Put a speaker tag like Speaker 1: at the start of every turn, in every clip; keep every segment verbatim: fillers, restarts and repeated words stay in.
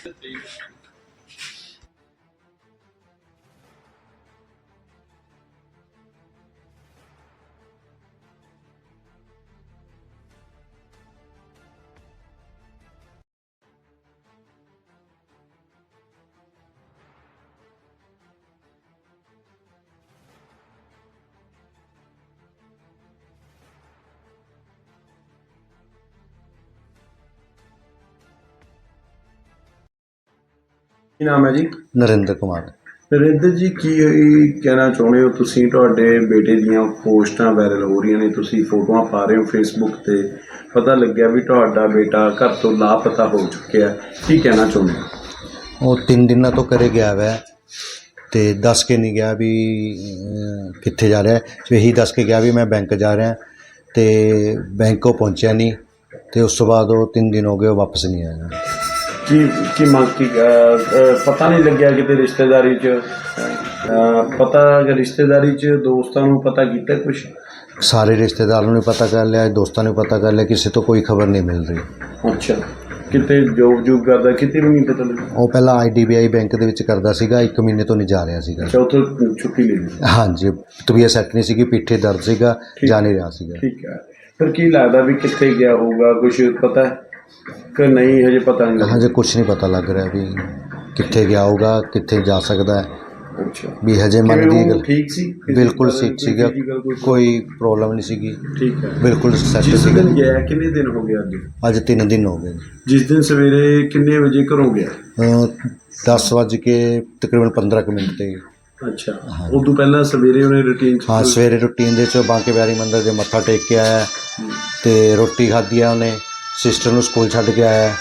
Speaker 1: ਕੀ ਨਾਮ ਹੈ ਜੀ?
Speaker 2: ਨਰਿੰਦਰ ਕੁਮਾਰ।
Speaker 1: ਨਰਿੰਦਰ ਜੀ, ਕੀ ਕਹਿਣਾ ਚਾਹੁੰਦੇ ਹੋ ਤੁਸੀਂ? ਤੁਹਾਡੇ ਬੇਟੇ ਦੀਆਂ ਪੋਸਟਾਂ ਵਾਇਰਲ ਹੋ ਰਹੀਆਂ ਨੇ, ਤੁਸੀਂ ਫੋਟੋਆਂ ਪਾ ਰਹੇ ਹੋ ਫੇਸਬੁੱਕ 'ਤੇ, ਪਤਾ ਲੱਗਿਆ ਵੀ ਤੁਹਾਡਾ ਬੇਟਾ ਘਰ ਤੋਂ ਲਾਪਤਾ ਹੋ ਚੁੱਕਿਆ, ਕੀ ਕਹਿਣਾ ਚਾਹੁੰਦੇ ਹੋ?
Speaker 2: ਉਹ ਤਿੰਨ ਦਿਨਾਂ ਤੋਂ ਘਰੇ ਗਿਆ ਵੈ ਅਤੇ ਦੱਸ ਕੇ ਨਹੀਂ ਗਿਆ ਵੀ ਕਿੱਥੇ ਜਾ ਰਿਹਾ। ਇਹੀ ਦੱਸ ਕੇ ਗਿਆ ਵੀ ਮੈਂ ਬੈਂਕ ਜਾ ਰਿਹਾ, ਅਤੇ ਬੈਂਕ ਉਹ ਪਹੁੰਚਿਆ ਨਹੀਂ, ਅਤੇ ਉਸ ਤੋਂ ਬਾਅਦ ਉਹ ਤਿੰਨ ਦਿਨ ਹੋ ਗਏ, ਉਹ ਵਾਪਸ ਨਹੀਂ ਆਇਆ।
Speaker 1: ਕੀ ਕੀ ਮੰਗ ਕੀ ਪਤਾ ਨਹੀਂ ਲੱਗਿਆ ਕਿਤੇ ਰਿਸ਼ਤੇਦਾਰੀ 'ਚ ਪਤਾ ਰਿਸ਼ਤੇਦਾਰੀ 'ਚ ਦੋਸਤਾਂ ਨੂੰ ਪਤਾ ਕੀਤਾ ਕੁਛ?
Speaker 2: ਸਾਰੇ ਰਿਸ਼ਤੇਦਾਰਾਂ ਨੂੰ ਪਤਾ ਕਰ ਲਿਆ, ਦੋਸਤਾਂ ਨੂੰ ਪਤਾ ਕਰ ਲਿਆ, ਕਿਸੇ ਤੋਂ ਕੋਈ ਖਬਰ ਨਹੀਂ ਮਿਲ ਰਹੀ।
Speaker 1: ਅੱਛਾ, ਕਿਤੇ ਜੋਬ ਜੂਬ ਕਰਦਾ, ਕਿਤੇ ਵੀ ਨਹੀਂ ਪਤਾ ਲੱਗਿਆ?
Speaker 2: ਉਹ ਪਹਿਲਾਂ I D B I bank ਦੇ ਵਿੱਚ ਕਰਦਾ ਸੀਗਾ, ਇੱਕ ਮਹੀਨੇ ਤੋਂ ਨਹੀਂ ਜਾ ਰਿਹਾ ਸੀਗਾ।
Speaker 1: ਅੱਛਾ, ਉੱਥੋਂ ਛੁੱਟੀ ਲੈ ਲਈ?
Speaker 2: ਹਾਂਜੀ, ਤਬੀਅਤ ਸੈੱਟ ਨਹੀਂ ਸੀਗੀ, ਪਿੱਠੇ ਦਰਦ ਸੀਗਾ, ਜਾ ਨਹੀਂ ਰਿਹਾ ਸੀਗਾ।
Speaker 1: ਠੀਕ ਹੈ, ਫਿਰ ਕੀ ਲੱਗਦਾ ਵੀ ਕਿੱਥੇ ਗਿਆ ਹੋਊਗਾ? ਕੁਛ ਪਤਾ ਕਿ ਨਹੀਂ ਹਜੇ ਪਤਾ ਨਹੀਂ?
Speaker 2: ਹਜੇ ਕੁਛ ਨਹੀਂ ਪਤਾ ਲੱਗ ਰਿਹਾ ਵੀ ਕਿੱਥੇ ਗਿਆ ਹੋਊਗਾ, ਕਿੱਥੇ ਜਾ ਸਕਦਾ ਹੈ।
Speaker 1: ਅੱਛਾ,
Speaker 2: ਵੀ ਹਜੇ ਮਨ ਦੀ ਗੱਲ
Speaker 1: ਠੀਕ ਸੀ?
Speaker 2: ਬਿਲਕੁਲ ਠੀਕ ਸੀਗਾ, ਕੋਈ ਪ੍ਰੋਬਲਮ ਨਹੀਂ ਸੀਗੀ।
Speaker 1: ਠੀਕ ਹੈ,
Speaker 2: ਬਿਲਕੁਲ ਸੈੱਟ
Speaker 1: ਜਿਸ
Speaker 2: ਸੀਗਾ।
Speaker 1: ਦਿਨ ਗਿਆ ਕਿੰਨੇ ਦਿਨ ਹੋ ਗਏ ਅੱਜ?
Speaker 2: ਅੱਜ ਤਿੰਨ ਦਿਨ ਹੋ ਗਏ।
Speaker 1: ਜਿਸ ਦਿਨ ਸਵੇਰੇ ਕਿੰਨੇ ਵਜੇ ਘਰੋਂ ਗਿਆ?
Speaker 2: ਦਸ ਵੱਜ ਕੇ ਤਕਰੀਬਨ ਪੰਦਰਾਂ ਕੁ ਮਿੰਟ 'ਤੇ।
Speaker 1: ਅੱਛਾ, ਉਦੋਂ ਪਹਿਲਾਂ ਸਵੇਰੇ ਉਹਨੇ ਰੂਟੀਨ? ਹਾਂ,
Speaker 2: ਸਵੇਰੇ ਰੂਟੀਨ ਦੇ 'ਚ ਬਾਂਕੇ ਬਿਹਾਰੀ ਮੰਦਿਰ ਦੇ ਮੱਥਾ ਟੇਕ ਕੇ ਆਇਆ ਅਤੇ ਰੋਟੀ ਖਾਧੀ ਆ ਉਹਨੇ, ਸਿਸਟਰ ਨੂੰ ਸਕੂਲ ਛੱਡ ਕੇ ਆਇਆ।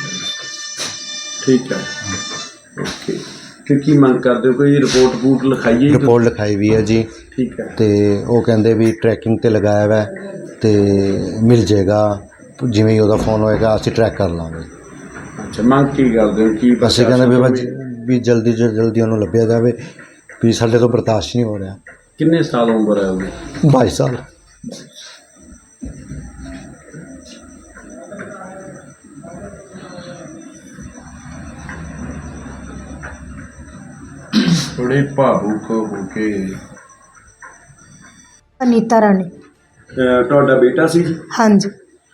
Speaker 1: ਠੀਕ ਹੈ, ਓਕੇ। ਕਿ ਕੀ ਮੰਗ ਕਰਦੇ ਹੋ? ਕੋਈ ਰਿਪੋਰਟ ਰਪੂਟ ਲਿਖਾਈਏ?
Speaker 2: ਰਿਪੋਰਟ ਲਿਖਾਈ ਵੀ ਹੈ ਜੀ।
Speaker 1: ਠੀਕ ਹੈ,
Speaker 2: ਅਤੇ ਉਹ ਕਹਿੰਦੇ ਵੀ ਟਰੈਕਿੰਗ 'ਤੇ ਲਗਾਇਆ ਵਾ ਅਤੇ ਮਿਲ ਜਾਏਗਾ, ਜਿਵੇਂ ਹੀ ਉਹਦਾ ਫੋਨ ਹੋਏਗਾ ਅਸੀਂ ਟਰੈਕ ਕਰ ਲਾਂਗੇ।
Speaker 1: ਅੱਛਾ, ਮੰਗ ਕੀ ਕਰਦੇ ਹੋ? ਕੀ
Speaker 2: ਅਸੀਂ ਕਹਿੰਦੇ ਵੀ ਵੀ ਜਲਦੀ ਤੋਂ ਜਲਦੀ ਉਹਨੂੰ ਲੱਭਿਆ ਜਾਵੇ, ਵੀ ਸਾਡੇ ਤੋਂ ਬਰਦਾਸ਼ਤ ਨਹੀਂ ਹੋ ਰਿਹਾ।
Speaker 1: ਕਿੰਨੇ ਸਾਲ ਉਮਰ ਹੈ ਉਹਦੀ?
Speaker 2: ਬਾਈ ਸਾਲ।
Speaker 1: ਥੋੜੇ ਭਾਵੁਕ ਹੋ ਕੇ।
Speaker 3: ਅਨੀਤਾ ਰਾਣੀ।
Speaker 1: ਤੁਹਾਡਾ ਬੇਟਾ ਸੀ?
Speaker 3: ਹਾਂਜੀ।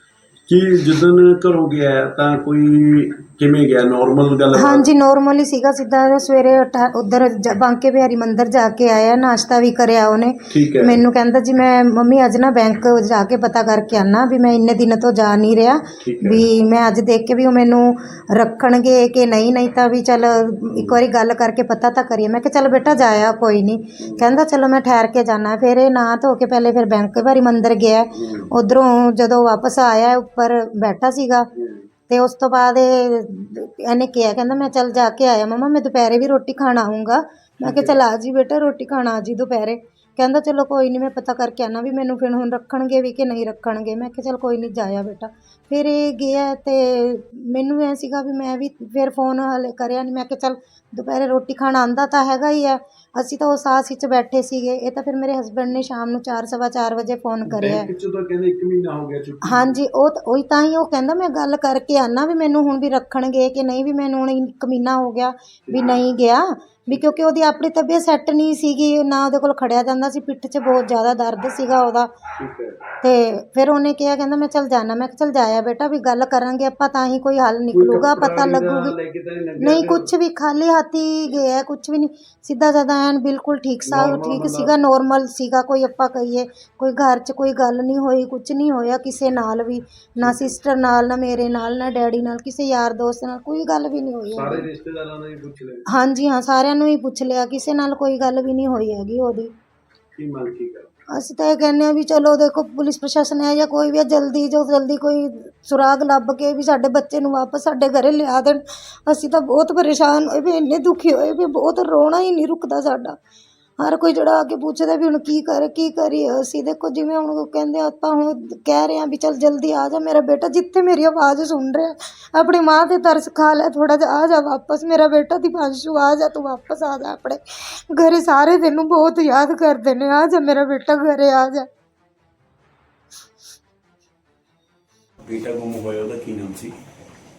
Speaker 1: ਕੀ ਜਿੱਦਣ ਘਰੋਂ ਗਿਆ ਤਾਂ ਕੋਈ ਕਿਵੇਂ ਗਿਆ? ਨੋਰਮਲ ਗੱਲ?
Speaker 3: ਹਾਂਜੀ, ਨੋਰਮਲ ਹੀ ਸੀਗਾ, ਸਿੱਧਾ ਸਵੇਰੇ ਉੱਧਰ ਬਾਂਕੇ ਬਿਹਾਰੀ ਮੰਦਿਰ ਜਾ ਕੇ ਆਇਆ, ਨਾਸ਼ਤਾ ਵੀ ਕਰਿਆ ਉਹਨੇ।
Speaker 1: ਠੀਕ ਹੈ।
Speaker 3: ਮੈਨੂੰ ਕਹਿੰਦਾ ਜੀ ਮੈਂ ਮੰਮੀ ਅੱਜ ਨਾ ਬੈਂਕ ਜਾ ਕੇ ਪਤਾ ਕਰਕੇ ਆਉਣਾ, ਵੀ ਮੈਂ ਇੰਨੇ ਦਿਨ ਤੋਂ ਜਾ ਨਹੀਂ ਰਿਹਾ, ਵੀ ਮੈਂ ਅੱਜ ਦੇਖ ਕੇ ਵੀ ਉਹ ਮੈਨੂੰ ਰੱਖਣਗੇ ਕਿ ਨਹੀਂ, ਨਹੀਂ ਤਾਂ ਵੀ ਚੱਲ ਇੱਕ ਵਾਰੀ ਗੱਲ ਕਰਕੇ ਪਤਾ ਤਾਂ ਕਰੀਏ। ਮੈਂ ਕਿਹਾ ਚੱਲ ਬੇਟਾ ਜਾਇਆ ਕੋਈ ਨਹੀਂ। ਕਹਿੰਦਾ ਚਲੋ ਮੈਂ ਠਹਿਰ ਕੇ ਜਾਣਾ। ਫਿਰ ਇਹ ਨਹਾ ਧੋ ਕੇ ਪਹਿਲੇ ਫਿਰ ਬੈਂਕ ਬਿਹਾਰੀ ਮੰਦਿਰ ਗਿਆ, ਉੱਧਰੋਂ ਜਦੋਂ ਵਾਪਸ ਆਇਆ ਉੱਪਰ ਬੈਠਾ ਸੀਗਾ, ਅਤੇ ਉਸ ਤੋਂ ਬਾਅਦ ਇਹ ਇਹਨੇ ਕਿਹਾ, ਕਹਿੰਦਾ ਮੈਂ ਚੱਲ ਜਾ ਕੇ ਆਇਆ ਮੰਮਾ, ਮੈਂ ਦੁਪਹਿਰੇ ਵੀ ਰੋਟੀ ਖਾਣ ਆਊਂਗਾ। ਮੈਂ ਕਿਹਾ ਚੱਲ ਆ ਜੀ ਬੇਟਾ, ਰੋਟੀ ਖਾਣ ਆ ਜੀ ਦੁਪਹਿਰੇ। ਕਹਿੰਦਾ ਚਲੋ ਕੋਈ ਨਹੀਂ, ਮੈਂ ਪਤਾ ਕਰਕੇ ਆਉਣਾ ਵੀ ਮੈਨੂੰ ਫਿਰ ਹੁਣ ਰੱਖਣਗੇ ਵੀ ਕਿ ਨਹੀਂ ਰੱਖਣਗੇ। ਮੈਂ ਕਿਹਾ ਚੱਲ ਕੋਈ ਨਹੀਂ, ਜਾਇਆ ਬੇਟਾ। ਫਿਰ ਇਹ ਗਿਆ ਅਤੇ ਮੈਨੂੰ ਐਂ ਸੀਗਾ ਵੀ ਮੈਂ ਵੀ ਫਿਰ ਫੋਨ ਹਾਲੇ ਕਰਿਆ ਨਹੀਂ। ਮੈਂ ਕਿਹਾ ਚੱਲ ਦੁਪਹਿਰੇ ਰੋਟੀ ਖਾਣ ਆਉਂਦਾ ਤਾਂ ਹੈਗਾ ਹੀ ਹੈ। ਅਸੀਂ ਤਾਂ ਉਸ ਆਸ ਵਿੱਚ ਬੈਠੇ ਸੀਗੇ। ਇਹ ਤਾਂ ਫਿਰ ਮੇਰੇ ਹਸਬੈਂਡ ਨੇ ਸ਼ਾਮ ਨੂੰ ਚਾਰ ਸਵਾ ਚਾਰ ਵਜੇ ਫੋਨ ਕਰਿਆ।
Speaker 1: ਕਹਿੰਦੇ ਇੱਕ ਮਹੀਨਾ ਹੋ ਗਿਆ ਛੁੱਟੀ?
Speaker 3: ਹਾਂਜੀ, ਉਹ ਉਹੀ ਤਾਂ ਹੀ ਉਹ ਕਹਿੰਦਾ ਮੈਂ ਗੱਲ ਕਰਕੇ ਆਉਣਾ ਵੀ ਮੈਨੂੰ ਹੁਣ ਵੀ ਰੱਖਣਗੇ ਕਿ ਨਹੀਂ, ਵੀ ਮੈਨੂੰ ਹੁਣ ਇੱਕ ਮਹੀਨਾ ਹੋ ਗਿਆ ਵੀ ਨਹੀਂ ਗਿਆ, ਵੀ ਕਿਉਂਕਿ ਉਹਦੀ ਆਪਣੀ ਤਬੀਅਤ ਸੈੱਟ ਨਹੀਂ ਸੀਗੀ, ਨਾ ਉਹਦੇ ਕੋਲ ਖੜਿਆ ਜਾਂਦਾ ਸੀ, ਪਿੱਠ 'ਚ ਬਹੁਤ ਜ਼ਿਆਦਾ ਦਰਦ ਸੀਗਾ ਉਹਦਾ। ਅਤੇ ਫਿਰ ਉਹਨੇ ਕਿਹਾ, ਕਹਿੰਦਾ ਮੈਂ ਚੱਲ ਜਾਣਾ। ਮੈਂ ਕਿਹਾ ਚੱਲ ਜਾਇਆ ਬੇਟਾ, ਵੀ ਗੱਲ ਕਰਾਂਗੇ ਆਪਾਂ ਤਾਂ ਹੀ ਕੋਈ ਹੱਲ ਨਿਕਲੂਗਾ, ਪਤਾ ਲੱਗੂਗੀ। ਨਹੀਂ, ਕੁਛ ਵੀ ਖਾਲੀ ਹੱਥ ਹੀ ਗਿਆ, ਕੁਛ ਵੀ ਨਹੀਂ, ਸਿੱਧਾ ਸਾਦਾ ਐਨ ਬਿਲਕੁਲ ਠੀਕ ਸਾ ਠੀਕ ਸੀਗਾ, ਨੋਰਮਲ ਸੀਗਾ। ਕੋਈ ਆਪਾਂ ਕਹੀਏ ਕੋਈ ਘਰ 'ਚ ਕੋਈ ਗੱਲ ਨਹੀਂ ਹੋਈ, ਕੁਛ ਨਹੀਂ ਹੋਇਆ ਕਿਸੇ ਨਾਲ ਵੀ, ਨਾ ਸਿਸਟਰ ਨਾਲ, ਨਾ ਮੇਰੇ ਨਾਲ, ਨਾ ਡੈਡੀ ਨਾਲ, ਕਿਸੇ ਯਾਰ ਦੋਸਤ ਨਾਲ ਕੋਈ ਗੱਲ ਵੀ ਨਹੀਂ ਹੋਈ।
Speaker 1: ਸਾਰੇ ਰਿਸ਼ਤੇਦਾਰਾਂ ਨੂੰ ਹੀ ਪੁੱਛ ਲਿਆ? ਹਾਂਜੀ
Speaker 3: ਹਾਂ, ਸਾਰਿਆਂ ਨੂੰ ਹੀ ਪੁੱਛ ਲਿਆ, ਕਿਸੇ ਨਾਲ ਕੋਈ ਗੱਲ ਵੀ ਨਹੀਂ ਹੋਈ ਹੈਗੀ ਉਹਦੀ।
Speaker 1: ਕੀ ਮੰਗ ਕੀ ਕਰ?
Speaker 3: ਅਸੀਂ ਤਾਂ ਇਹ ਕਹਿੰਦੇ ਹਾਂ ਵੀ ਚਲੋ ਦੇਖੋ, ਪੁਲਿਸ ਪ੍ਰਸ਼ਾਸਨ ਹੈ ਜਾਂ ਕੋਈ ਵੀ ਹੈ, ਜਲਦੀ ਤੋਂ ਜਲਦੀ ਕੋਈ ਸੁਰਾਗ ਲੱਭ ਕੇ ਵੀ ਸਾਡੇ ਬੱਚੇ ਨੂੰ ਵਾਪਸ ਸਾਡੇ ਘਰੇ ਲਿਆ ਦੇਣ। ਅਸੀਂ ਤਾਂ ਬਹੁਤ ਪਰੇਸ਼ਾਨ ਹੋਏ ਵੀ, ਇੰਨੇ ਦੁਖੀ ਹੋਏ ਵੀ, ਬਹੁਤ ਰੋਣਾ ਹੀ ਨਹੀਂ ਰੁਕਦਾ ਸਾਡਾ। ਹਰ ਕੋਈ ਜਿਹੜਾ ਆ ਕੇ ਪੁੱਛਦਾ ਵੀ ਹੁਣ ਕੀ ਕਰੇ ਕੀ ਕਰੀਏ ਅਸੀਂ। ਦੇਖੋ ਜਿਵੇਂ ਹੁਣ ਕਹਿੰਦੇ ਆਪਾਂ ਹੁਣ ਕਹਿ ਰਹੇ ਹਾਂ ਵੀ ਚੱਲ ਜਲਦੀ ਆ ਜਾ ਮੇਰਾ ਬੇਟਾ, ਜਿੱਥੇ ਮੇਰੀ ਆਵਾਜ਼ ਸੁਣ ਰਿਹਾ, ਆਪਣੀ ਮਾਂ 'ਤੇ ਤਰਸ ਖਾ ਲੈ ਥੋੜ੍ਹਾ ਜਿਹਾ, ਆ ਜਾ ਵਾਪਸ ਮੇਰਾ ਬੇਟਾ ਦੀਪਾਂਸ਼ੂ, ਆ ਜਾ ਤੂੰ ਵਾਪਸ ਆ ਜਾ ਆਪਣੇ ਘਰੇ, ਸਾਰੇ ਤੈਨੂੰ ਬਹੁਤ ਯਾਦ ਕਰਦੇ ਨੇ, ਆ ਜਾ ਮੇਰਾ ਬੇਟਾ ਘਰੇ ਆ ਜਾ।
Speaker 1: ਬੇਟਾ ਗੁੰਮ ਹੋਇਆ, ਉਹਦਾ ਕੀ ਨਾਮ ਸੀ?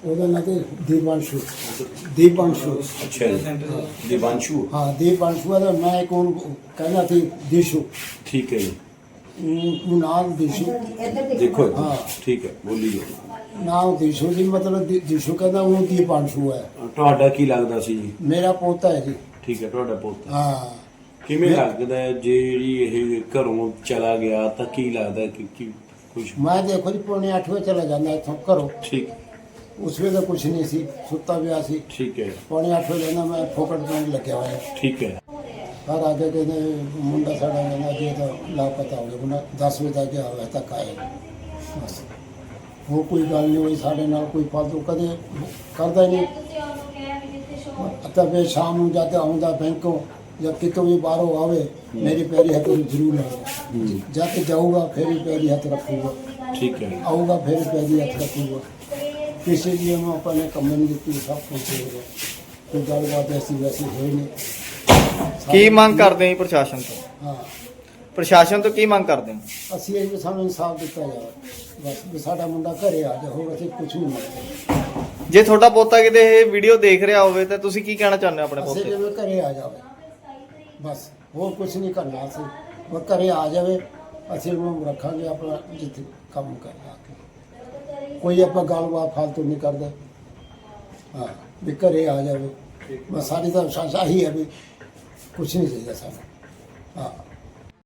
Speaker 4: ਉਹਦਾ ਨਾਂ ਤੇ ਦੀਪਾਂਸ਼ੂ ਦੀਪਾਂਸ਼ੂ
Speaker 1: ਅੱਛਾ ਜੀ ਦੀਵਾਂਸ਼ੂ
Speaker 4: ਹਾਂ ਦੀਪਾਂਸ਼ੂ ਦਾ ਮੈਂ ਇੱਕ ਉਹਨੂੰ ਕਹਿੰਦਾ ਸੀ ਦੀਸ਼ੂ
Speaker 1: ਠੀਕ ਹੈ ਜੀ
Speaker 4: ਉਹ ਨਾਮ ਦੀਸ਼ੂ
Speaker 1: ਦੇਖੋ
Speaker 4: ਹਾਂ
Speaker 1: ਠੀਕ ਹੈ ਬੋਲੀਏ
Speaker 4: ਨਾਮ ਦੀਸ਼ੂ ਜੀ ਮਤਲਬ ਦੀ- ਦੀਸ਼ੂ ਕਹਿੰਦਾ ਉਹ ਦੀਪਾਂਸ਼ੂ ਹੈ
Speaker 1: ਤੁਹਾਡਾ ਕੀ ਲੱਗਦਾ ਸੀ ਜੀ
Speaker 4: ਮੇਰਾ ਪੋਤਾ ਹੈ ਜੀ
Speaker 1: ਠੀਕ ਹੈ ਤੁਹਾਡਾ ਪੁੱਤ
Speaker 4: ਹਾਂ
Speaker 1: ਕਿਵੇਂ ਲੱਗਦਾ ਹੈ ਜਿਹੜੀ ਇਹ ਘਰੋਂ ਚਲਾ ਗਿਆ ਤਾਂ ਕੀ ਲੱਗਦਾ ਕਿ ਕੀ ਕੁਝ
Speaker 4: ਮੈਂ ਦੇਖੋ ਜੀ ਪੌਣੇ ਅੱਠ ਵਜੇ ਚਲਾ ਜਾਂਦਾ ਇੱਥੋਂ ਘਰੋਂ
Speaker 1: ਠੀਕ
Speaker 4: ਉਸ ਵੇਲੇ ਤਾਂ ਕੁਝ ਨਹੀਂ ਸੀ ਸੁੱਤਾ ਪਿਆ ਸੀ
Speaker 1: ਠੀਕ ਹੈ
Speaker 4: ਪੌਣੇ ਅੱਠ ਵਜੇ ਨਾ ਮੈਂ ਫੋਕਟ ਪੈਣ ਲੱਗਿਆ ਹੋਇਆ
Speaker 1: ਠੀਕ ਹੈ
Speaker 4: ਘਰ ਆ ਕੇ ਕਹਿੰਦੇ ਮੁੰਡਾ ਸਾਡਾ ਕਹਿੰਦਾ ਜੀ ਇਹ ਤਾਂ ਲਾਪਤਾ ਹੋ ਗਿਆ ਮੁੰਡਾ ਦਸ ਵਜੇ ਤੱਕ ਗਿਆ ਹੋਇਆ ਤੱਕ ਆਏ ਬਸ ਹੋਰ ਕੋਈ ਗੱਲ ਨਹੀਂ ਹੋਈ ਸਾਡੇ ਨਾਲ ਕੋਈ ਫਾਲਤੂ ਕਦੇ ਕਰਦਾ ਹੀ ਨਹੀਂ ਤਾਂ ਫਿਰ ਸ਼ਾਮ ਨੂੰ ਜਦ ਆਉਂਦਾ ਬੈਂਕੋਂ ਜਾਂ ਕਿਤੋਂ ਵੀ ਬਾਹਰੋਂ ਆਵੇ ਮੇਰੀ ਪੈਰੀ ਹੱਥ ਨੂੰ ਜ਼ਰੂਰ ਲਾਉਂਦਾ ਜਦ ਜਾਊਗਾ ਫਿਰ ਹੀ ਪੈਰੀ ਹੱਥ ਰੱਖੂਗਾ
Speaker 1: ਠੀਕ ਹੈ
Speaker 4: ਆਊਗਾ ਫਿਰ ਪੈਰੀ ਹੱਥ ਰੱਖੂਗਾ ਕਿਸੇ ਲਈ ਮੈਂ ਆਪਾਂ ਨੇ ਕੰਮ ਨਹੀਂ ਦਿੱਤੀ ਸਭ ਕੁਝ ਹੋ ਗਿਆ ਕੋਈ ਗੱਲਬਾਤ ਐਸੀ ਵੈਸੀ ਹੋਈ ਨਹੀਂ
Speaker 5: ਕੀ ਮੰਗ ਕਰਦੇ ਹੋ ਪ੍ਰਸ਼ਾਸਨ ਤੋਂ
Speaker 4: ਹਾਂ
Speaker 5: ਪ੍ਰਸ਼ਾਸਨ ਤੋਂ ਕੀ ਮੰਗ ਕਰਦੇ ਹੋ
Speaker 4: ਅਸੀਂ ਇਹ ਵੀ ਸਾਨੂੰ ਇਨਸਾਫ ਦਿੱਤਾ ਜਾਵੇ ਬਸ ਵੀ ਸਾਡਾ ਮੁੰਡਾ ਘਰੇ ਆ ਜਾ ਹੋਰ ਅਸੀਂ ਕੁਝ ਨਹੀਂ ਮੰਗਦੇ
Speaker 5: ਜੇ ਤੁਹਾਡਾ ਪੋਤਾ ਕਿਤੇ ਇਹ ਵੀਡੀਓ ਦੇਖ ਰਿਹਾ ਹੋਵੇ ਤਾਂ ਤੁਸੀਂ ਕੀ ਕਹਿਣਾ ਚਾਹੁੰਦੇ ਹੋ ਆਪਣੇ
Speaker 4: ਅਸੀਂ
Speaker 5: ਪੋਤੇ
Speaker 4: ਜਿਵੇਂ ਘਰੇ ਆ ਜਾਵੇ ਬਸ ਹੋਰ ਕੁਝ ਨਹੀਂ ਕਰਨਾ ਅਸੀਂ ਉਹ ਘਰੇ ਆ ਜਾਵੇ ਅਸੀਂ ਉਹਨੂੰ ਰੱਖਾਂਗੇ ਆਪਣਾ ਜਿੱਥੇ ਕੰਮ ਕਰਨਾ ਕੋਈ ਆਪਾਂ ਗੱਲਬਾਤ ਫਾਲਤੂ ਨਹੀਂ ਕਰਦੇ ਹਾਂ ਵੀ ਘਰੇ ਆ ਜਾਵੇ ਬਸ ਸਾਡੀ ਤਾਂ ਆਹੀ ਹੈ ਵੀ ਕੁਝ ਨਹੀਂ ਚਾਹੀਦਾ ਸਾਨੂੰ ਹਾਂ